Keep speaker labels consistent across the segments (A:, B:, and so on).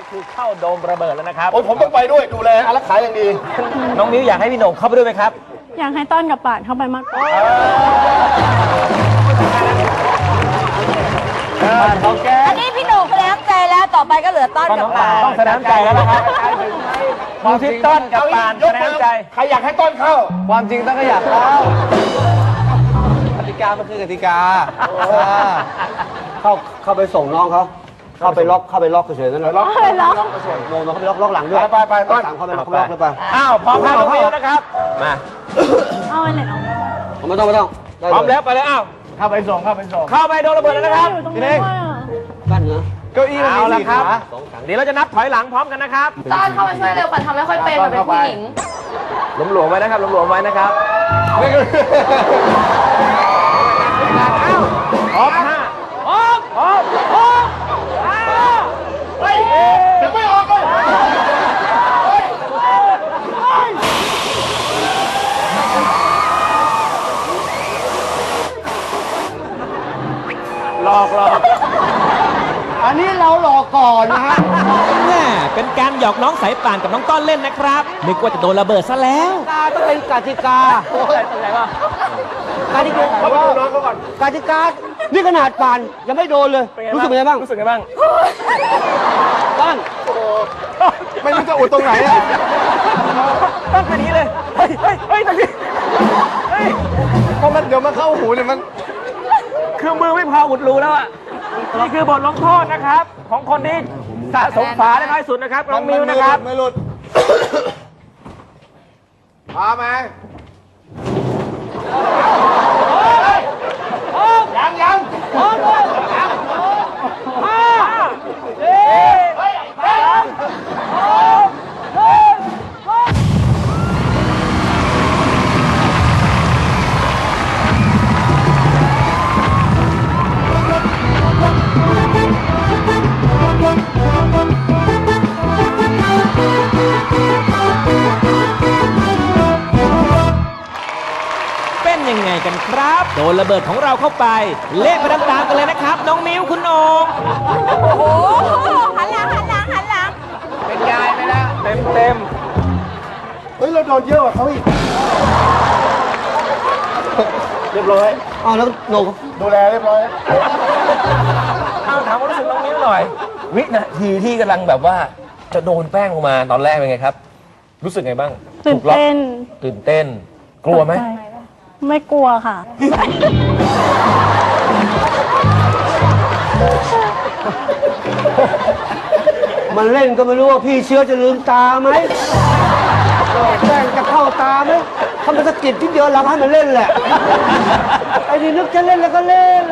A: คือเข้าโดมระเบิดแล้วนะครับ
B: โอ้ยผมต้องไปด้วยดูแลอารักขาอย่างดี
A: น้องมิ้วอยากให้พี่โหน่งเข้าไปด้วยไหมครับ
C: อยากให้ต้อนกับป่านเข้าไปมากกว่า
A: เขาแก้
D: อันนี้พี่หนุ่มแสดงน้ำใจแล้วต่อไปก็เหลือต้อนกับป่าน
A: ต้องแสดงน้ำใจแล้วนะครับมองที่ต้นกับปานแสดงน้ำใจ
B: ใครอยากให้ต้นเข้า
E: ความจริงต้องก็อยากเข้ากติกามันคือกติกาเข้าไปส่งน้องเขาเข้าไปล็อกเฉยๆนั่นแหละล็อก
C: ไปล็อก
E: โน้เขาไปล็อกหลังด้วย
B: ไปต้น
E: สามเข้าไปล็อกเลยไป
A: อ้าวพร้อมแล้วน้องมิ้วนะครับมา
C: เอาไอ้เนี่ยเอาไป
E: ไม่ต้องได้
A: พร้อมแล้วไปเลยอ้าวเข้าไปโดนระเบิดแล้วนะครับ
C: อยู่ตรงนี้ด้วยอ่ะ
E: กั้นเนื้อ
A: เก้าอี้มันมีสี่ขาเดี๋ยวเราจะนับถอยหลังพร้อมกันนะครับ
D: ต้อนเข้ามาช่วยเร็วป่านทำไม่ค่อยเป็นเป็นผู้หญิง
A: หลวมๆไว้นะครับหลวมๆไว้นะครับพร้อมห้าพร้อม
B: เฮ้ยเดี๋ยวไม่ออกเลย
A: หลอก
E: อันนี้เราหลอกก่อนนะฮะ
F: แม่เป็นการหยอกน้องสายป่านกับน้องต้อนเล่นนะครับนึกว่าจะโดนระเบิดซะแล้ว
E: ต้องเป็นกติกา กติกา
B: เขาไปดูน้องเขาก่อน
E: กติกานี่ขนาดป่านยังไม่โดนเลยรู้สึกเป็นไงบ้าง
A: รู้สึกไงบ้าง
E: ต้น
B: ไม่รู้จะอุดตรงไหนอะ
A: ตั้งแค่นี้เลยเฮ้ยตรงนี้เฮ้ย
B: เพราะมันเดี๋ยวมันเข้าหูเนี่ยมัน
A: คือมือไม่พออุดรูแล้วอ่ะนี่คือบทลงโทษนะครับ ของคนที่สะสมฝาได้น้อยสุดนะครับน้องมิวนะครับ
B: ไม่หลุดพาไหมยัง
F: เป็นยังไงกันครับ โดนระเบิดของเราเข้าไป เละไปตามๆกันเลยนะครับ น้องมิ้วคุณโหน่ง
D: โอ้โหหันหลัง
A: เป็นยายไปแล้วเต็ม
B: เฮ้ยเราโดนเยอะกว่าเขาอีกเรียบร้อย
E: อ้าวแล้วโหนก
B: ดูแลเรียบร้อย
A: เอาถามความรู้สึกน้องมิ้วหน่อย วินาทีที่กำลังแบบว่าจะโดนแป้งลงมาตอนแรกเป็นไงครับ รู้สึกไงบ้าง
C: ตื่นเต้น
A: ตื่นเต้น กลัวไหม
C: ตกใจไม่กลัวค่ะ
E: มันเล่นก็ไม่รู้ว่าพี่เชื้อจะลืมตาไหมแป้งจะเข้าตาไหมทำมันสะกิดที่เดียวเราให้มันเล่นแหละไอ้นี่นึกจะเล่นแล้วก็เล่น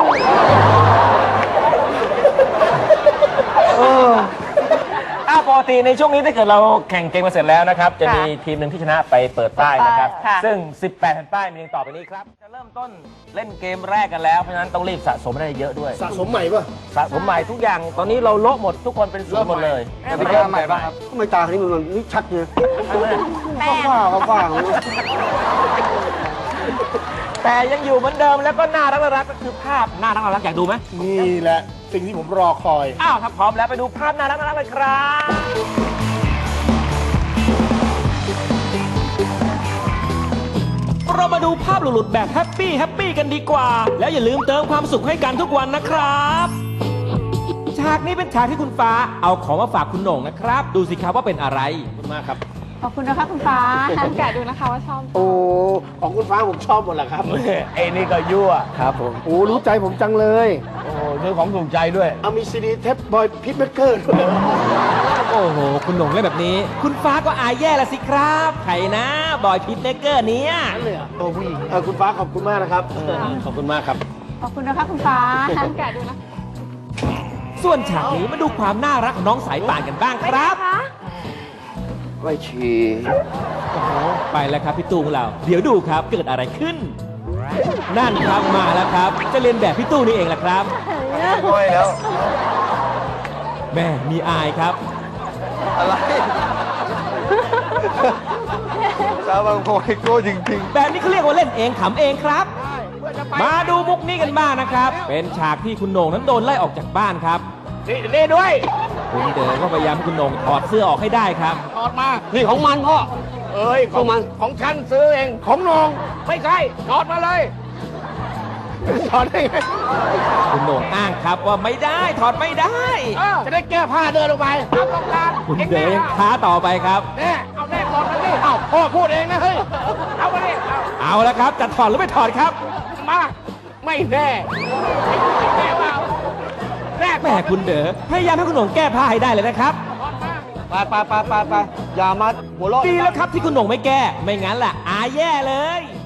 A: ปกติในช่วงนี้ถ้าเกิดเราแข่งเกมมาเสร็จแล้วนะครับ จะมีทีมหนึ่งที่ชนะไปเปิดป้ายนะครับ ซึ่ง 18 แผ่นป้ายมีดังต่อไปนี้ครับ จะเริ่มต้นเล่นเกมแรกกันแล้ว เพราะฉะนั้นต้องรีบสะสมได้เยอะด้วย
B: สะสมใหม่ป่ะ
A: สะสมใหม่ทุกอย่าง ตอนนี้เราโละหมดทุกคนเป็นศูนย์หมดเลย
B: กติกาใหม่ป่ะครับ
E: ทำไมตาคนนี้มันนี่ชัดเลย
D: แป้ง
E: ฟ้า
A: แต่ยังอยู่เหมือนเดิมแล้วก็น่ารักก็คือภาพน่ารักอยากดูไหม
B: นี่แหละสิ่งที่ผมรอคอย
A: อ้าวถ้าพร้อมแล้วไปดูภาพน่ารักเลยครับ
F: เรามาดูภาพหลุดๆแบบแฮปปี้กันดีกว่า แล้วอย่าลืมเติมความสุขให้กันทุกวันนะครับฉากนี้เป็นฉากที่คุณฟ้าเอาของมาฝากคุณโหน่งนะครับ ดูสิครับว่าเป็นอะไร
A: ขอบคุณมากครับ
C: ขอบคุณนะคะคุณฟ้าแกะดูนะคะว่าชอบ
B: โอ้ ของคุณฟ้าผมชอบหมดแหละครับ
A: ไอ้นี่ก็ยั่ว
B: ครับผม โอ้ รู้ใจผมจังเลย
A: โอ้โหซื้อของถูกใจด้วย
B: เอามีซีดีเทปบอยพิทเมเกอร์ด้วย
F: โอ้โห คุณโหน่งเล่นแบบนี้ คุณฟ้าก็อายแย่ละสิครับใครนะบอยพิทเนเกอร์เนี่ย
B: โอ้ผู้หญิงคุณฟ้าขอบคุณมากนะครับ ขอบคุณมากครับ
C: ขอบคุณนะคะคุณฟ้าแกะดูนะ
F: ส่วนฉากนี้มาดูความน่ารักของน้องสายป่านกันบ้างครับ
E: ไว้ชี
F: ไปแล้วครับพี่ตู้ของเรา เดี๋ยวดูครับเกิดอะไรขึ้น นั่นครับมาแล้วครับ จะเรียนแบบพี่ตู้นี่เองแหละครับ
B: ก้อยแล้ว
F: แม่มีอายครับ
B: อะไรสาวบางโพยโก้จริง
F: แบบนี้เขาเรียกว่าเล่นเองขำเองครับ มาดูมุกนี้กันบ้างนะครับ เป็นฉากที่คุณโหน่งนั้นโดนไล่ออกจากบ้านครับ
A: นี่ด้วย
F: คุณเด๋อก็พยายามให้คุณโหน่งถอดเสื้อออกให้ได้ครับ
B: ถอดมา
E: นี่ของมันพ่อ
B: เอ้ย
E: ของมัน
B: ของฉันซื้อเอง ของนองไม่ใช่ ถอดมาเลย ถอดได้ไง
F: คุณโหน่งอ้างครับว่าไม่ได้ถอดไม่ได้
B: จะได้แก้ผ้าเดินลงไปตามต้องการ
F: คุณเด๋อยังท้าต่อไปครับ
B: แน่เอาแน่ถอดมาดิเอาพ่อพูดเองนะเฮ้ย เอามาดิเอา
F: เอาละครับจะถอดหรือไม่ถอดครับ
B: มา ไม่แน่ไม่แน่ว่าแน่
F: แม่คุณเด๋อพยายามให้คุณโหน่งแก้ผ้าให้ได้เลยนะครับ
E: ไปอย่ามาหัวเราะ
F: ดีแล้วครับที่คุณโหน่งไม่แก้ ไม่งั้นล่ะอาแย่เลย